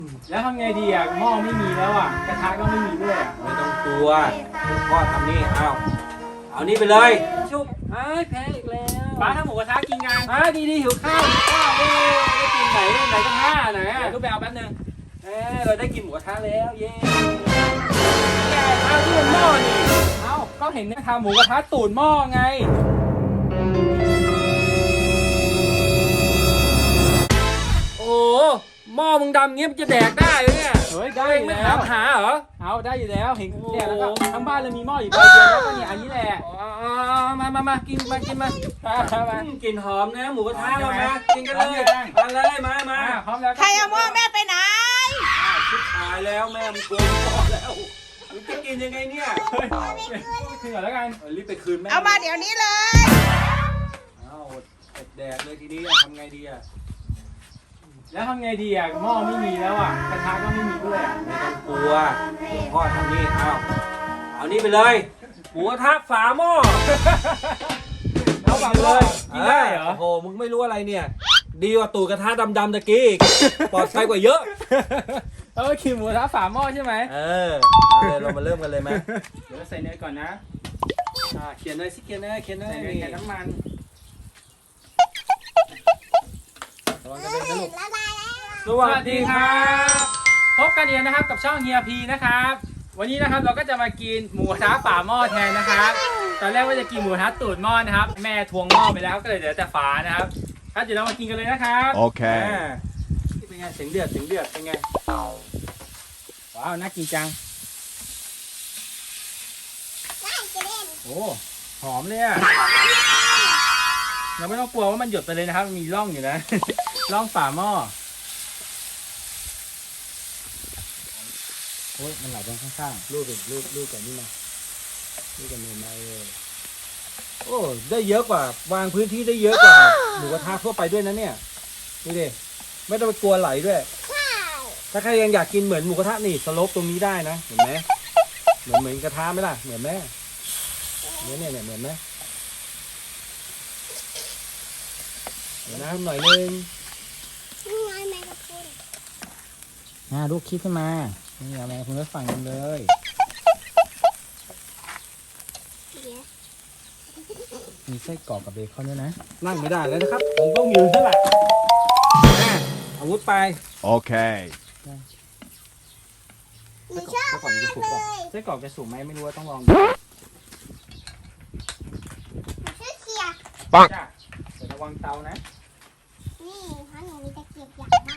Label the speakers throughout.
Speaker 1: แล้วทำไงดีอ่ะหม้อไม่มีแล้วอ่ะกระทะก็ไม่มีด้วยอ่ะ
Speaker 2: ไม่ต้องกลัวพ่อทำนี่เอานี่ไปเลยชุบแพ้อีกแล้ว
Speaker 1: ป้าทำหมูกระทะกินกัน
Speaker 2: ดีหิวข้าวเอ้ได้กินไหนกระทะไหน
Speaker 1: เดี๋ยวก็ไปเอาแป๊บนึง
Speaker 2: เราได้กินหมูกระทะแล้วเย้
Speaker 1: เอาที่มันหม้อนี่เอาก็เห็นเนี่ยทำหมูกระทะตูดหม้อไง
Speaker 2: โอ้หม้อมึงดำเงี้ยมันจะแดกได้เลยเนี่ย
Speaker 1: เฮ้ยได้อยู่
Speaker 2: ไม่
Speaker 1: แล้ว
Speaker 2: หาเหรอ
Speaker 1: เอาได้อยู่แล้วเห็น
Speaker 2: โอ้
Speaker 1: เนี่ยแล้วก็ทั้งบ้านเลยมีหม้ออยู่ใบเดียวแล้วก็เนี่ยอันนี้แหละ
Speaker 2: มากินมา
Speaker 1: มา
Speaker 2: กลิ่นหอมนะหมูกระทะ
Speaker 1: ใช่
Speaker 2: เรา
Speaker 1: ไหม
Speaker 2: มากินกันเลยมาเลยมา
Speaker 1: พร้อมแล้ว
Speaker 3: ใครเอาหม้อแม่ไปไหน
Speaker 2: ชิบหายแล้วแม่มึงโกงพ่อแล้วมึงจะกินยังไงเนี่ย
Speaker 1: เฮ้ยคืนก่อนแล้วกัน
Speaker 2: รีบไปคืนแม่
Speaker 3: เอามาเดี๋ยวนี้เลย
Speaker 2: เอาแดกเลยทีนี้ทำไงดีอ่ะ
Speaker 1: แล้วทำไงดีอ่ะหม้อไม่มีแล้วอ่ะกระทะก็ไม่มีด้วยอ่ะ
Speaker 2: ไม่ต้องกลัวพ่อทำนี่เอานี่ไปเลยหมูกระทะฝาหม้อ
Speaker 1: เอาแบบเลยกินได้เหรอ
Speaker 2: โอ้โหมึงไม่รู้อะไรเนี่ย ดีกว่าตูดกระทะดำๆตะกี้อีกปลอดภัยกว่าเยอะ
Speaker 1: แล้วก็กินหมูกระทะฝาหม้อใช่ไหม
Speaker 2: เรามาเริ่มกันเลยไหม
Speaker 1: เดี๋ยวใส่เนยก่อนนะ
Speaker 2: เขียนเลยสิเขียนเลย
Speaker 1: ใส่เนยกับน้ำมัน
Speaker 2: ระวังกระเด็นนะลูก
Speaker 1: สวัสดีครับพบกันอีกนะครับกับช่องเฮียพีนะครับ วันนี้นะครับเราก็จะมากินหมูกระทะฝาหม้อแทนนะครับ ตอนแรกว่าจะกินหมูกระทะตูดหม้อนะครับ แม่ทวงหม้อไปแล้วก็เลยเหลือแต่ฝานะครับครับเดี๋ยวเรามากินกันเลยนะครับ
Speaker 4: Okay.
Speaker 2: เป็นไงเสียงเดือดเป็นไง
Speaker 1: ว้าวน่ากินจังโอ้หอมเลยอะเราไม่ต้องกลัวว่ามันหยดไปเลยนะครับมันมีร่องอยู่นะ ร่องฝาหม้อโอ้ยมันไหลไปข้างๆ
Speaker 2: ลูกกับนี่มาลูกกับเนยมาโอ้ได้เยอะกว่าวางพื้นที่ได้เยอะกว่าหมูกระทะทั่วไปด้วยนะเนี่ยดูดิไม่ต้องไปกลัวไหลด้วยถ้าใครยังอยากกินเหมือนหมูกระทะนี่สโลปตรงนี้ได้นะเห็นไหมเหมือนกระทะไหมล่ะเหมือนไหมเนี่ยเหมือนไหมเดี๋ยวน้ำหน่อยนึง
Speaker 1: ลูกคิดขึ้นมานี่เอาแม่คุณก็ฝั่งกันเลยมีไส้กรอกกับเบคอนด้วยนะ
Speaker 2: นั่งไม่ได้แล้วนะครับผมต้องยืนซะละอาวุธไป
Speaker 4: Okay.
Speaker 3: หนูชอบมากเลย
Speaker 1: ไส้กรอกจะสุกไหมไม่รู้ว่าต้องลองดู
Speaker 3: หนูชื่อเคียร์
Speaker 1: จ้ะแต่ระวังเตานะ
Speaker 3: นี่เพราะหนูมีตะเกียบอย่างมาก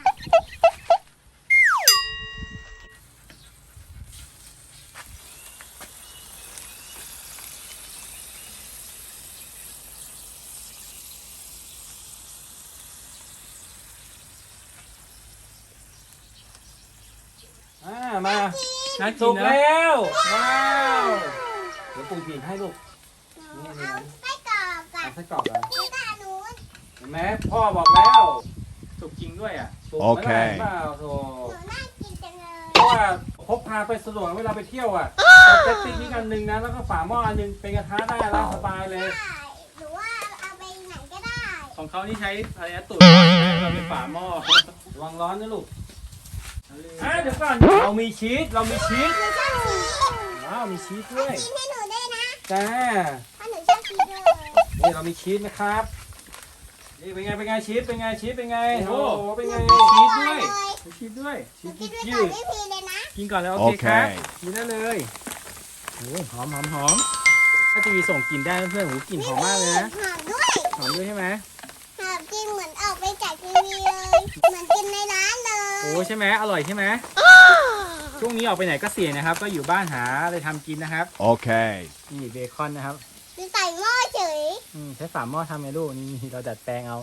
Speaker 2: มา
Speaker 1: น่ากิ
Speaker 2: สุ
Speaker 1: น
Speaker 2: ก
Speaker 1: นะ
Speaker 2: แล้วว้าวเดี๋ยวปูผิดให้ลูก
Speaker 3: หนูเอาไส้กรอกกับ
Speaker 2: เอาไส้กรอกอ่ะ
Speaker 3: แล้วก็อันนู้น
Speaker 2: เห็นไหมพ่อบอกแล้ว
Speaker 1: สุกจริงด้วยอ่ะ
Speaker 2: สุก
Speaker 4: โอ
Speaker 2: ไม่
Speaker 4: เค
Speaker 2: ได้เปล่าโธ่
Speaker 3: หนูน่ากินจังเลย
Speaker 2: เพราะว่าพกพาไปสะดวกเวลาไปเที่ยวอ่ะเอาแจ็คติ๊กนี่อันหนึ่งนะแล้วก็ฝาหม้ออันหนึงเป็นกระทะได้แล้วสบายเลย
Speaker 3: ได้หรือว่าเอาไปไหนก็ได้
Speaker 1: ของเขานี่ใช้อะไรนะตุ๋นเราเป็นฝาหม้อ
Speaker 2: ระวังร้อนนะลูกเดี๋ยวก่อนเรามีชีส
Speaker 3: หนูชอบชีส
Speaker 2: ว้าวมีชีสด้วย
Speaker 3: กินให้หนูด้วยนะ
Speaker 2: จ้า
Speaker 3: เพราะหนูชอบชีสเลย
Speaker 2: นี่เรามีชีสนะครับนี่เป็นไงชีสเป็นไงโอ้โหเป็นไง
Speaker 1: ชีสด้วยมีชีสด้วย
Speaker 3: หนูกินด้วยก่อนไม่พีเลยนะ
Speaker 1: กินก่อนแล้วโอเคครับ
Speaker 4: Okay.
Speaker 1: กินได้เลยโอ้หอมถ้าทีวีส่งกลิ่นได้เพื่อนๆหูกลิ่นหอมมากเลยนะ
Speaker 3: หอมด้วย
Speaker 1: หอมด้วยใช่ไหม
Speaker 3: หอมกินเหมือนออกไปจากทีวีเลย เหมือนกินในร้านเลย
Speaker 1: โอ้ใช่ไหมอร่อยใช่ไหมช่วงนี้ออกไปไหนก็เสี่ยงนะครับ ก็อยู่บ้านหาอะไรทำกินนะครับ
Speaker 4: Okay.
Speaker 1: นี่เบคอนนะครับ
Speaker 3: หรือใส่หม้อเฉย
Speaker 1: ใช้ฝาหม้อทำไงลูกนี่เราดัดแปลงเอา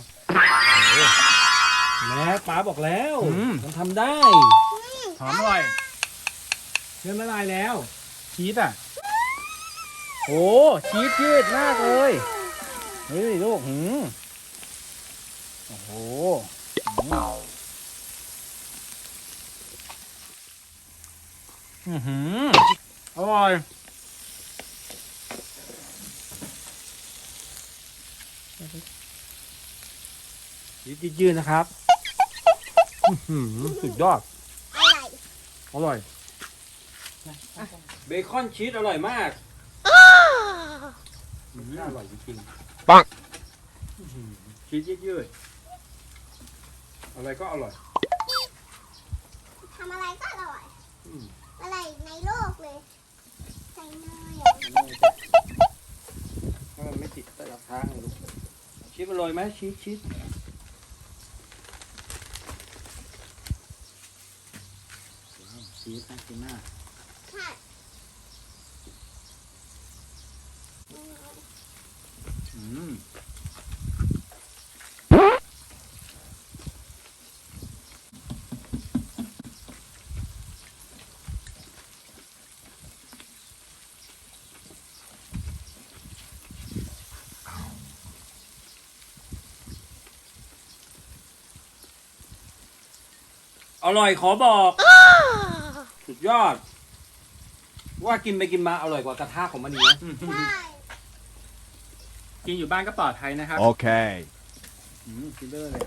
Speaker 2: แม่ป๋าบอกแล้ว มันทำได้
Speaker 1: หอมอร่อยเริ่มละลายแล้วชีสอ่ะโอ้ชีสยืดมากเลยเฮ้ยลูกโอ้โหอร่อยชีสยืดๆนะครับสุดยอด
Speaker 3: อ
Speaker 2: อร่อยเบคอนชีสอร่อยมากอร่อยจริงๆปังชีสยืดๆอะไรก็อร่อย
Speaker 3: ทำอะไรก็อร่อย อะไรในโลกเลยใส่เนย
Speaker 2: ถ้ามันไม่ติดแต่ละทางลูกชีสอร่อยไหมชีสชีสน่ากินมาก
Speaker 3: ค่ะ
Speaker 2: อร่อยขอบอกสุดยอด ว่ากินไปกินมาอร่อยกว่ากระทะของมันอีกนะ
Speaker 3: ใช่
Speaker 1: กินอยู่บ้านก็ปลอดภัยนะครับ
Speaker 4: Okay.
Speaker 2: กินได้เลย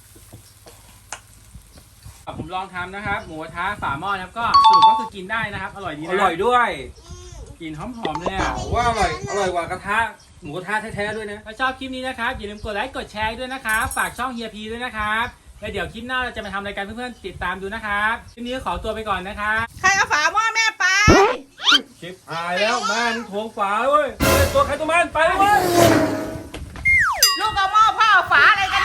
Speaker 1: ผมลองทำนะครับ หมูกระทะฝาหม้อนะครับก็สรุปก็คือกินได้นะครับ อร่อยดีนะ
Speaker 2: อร่อยด้วย
Speaker 1: กลิ่นหอมๆเลยอ่ะ
Speaker 2: ว่าอร่อยกว่ากระทะหมูกระทะแท้ๆด้วยนะ
Speaker 1: ถ้าชอบคลิปนี้นะครับอย่าลืมกดไลค์กดแชร์ด้วยนะครับฝากช่องเฮียพีด้วยนะครับแล้วเดี๋ยวคลิปหน้าเราจะมาทำรายการเพื่อนๆติดตามดูนะครับคลิปนี้ก็ขอตัวไปก่อนนะครับ
Speaker 5: ใครเอาฝาหม้อแม่ไป
Speaker 2: ชิปหายแล้วมันทวงฝาเว้ยตัวใครตัวมันไปเลยเว้ย
Speaker 5: ลูกเอาหม้อพ่อเอาฝาอะไรกัน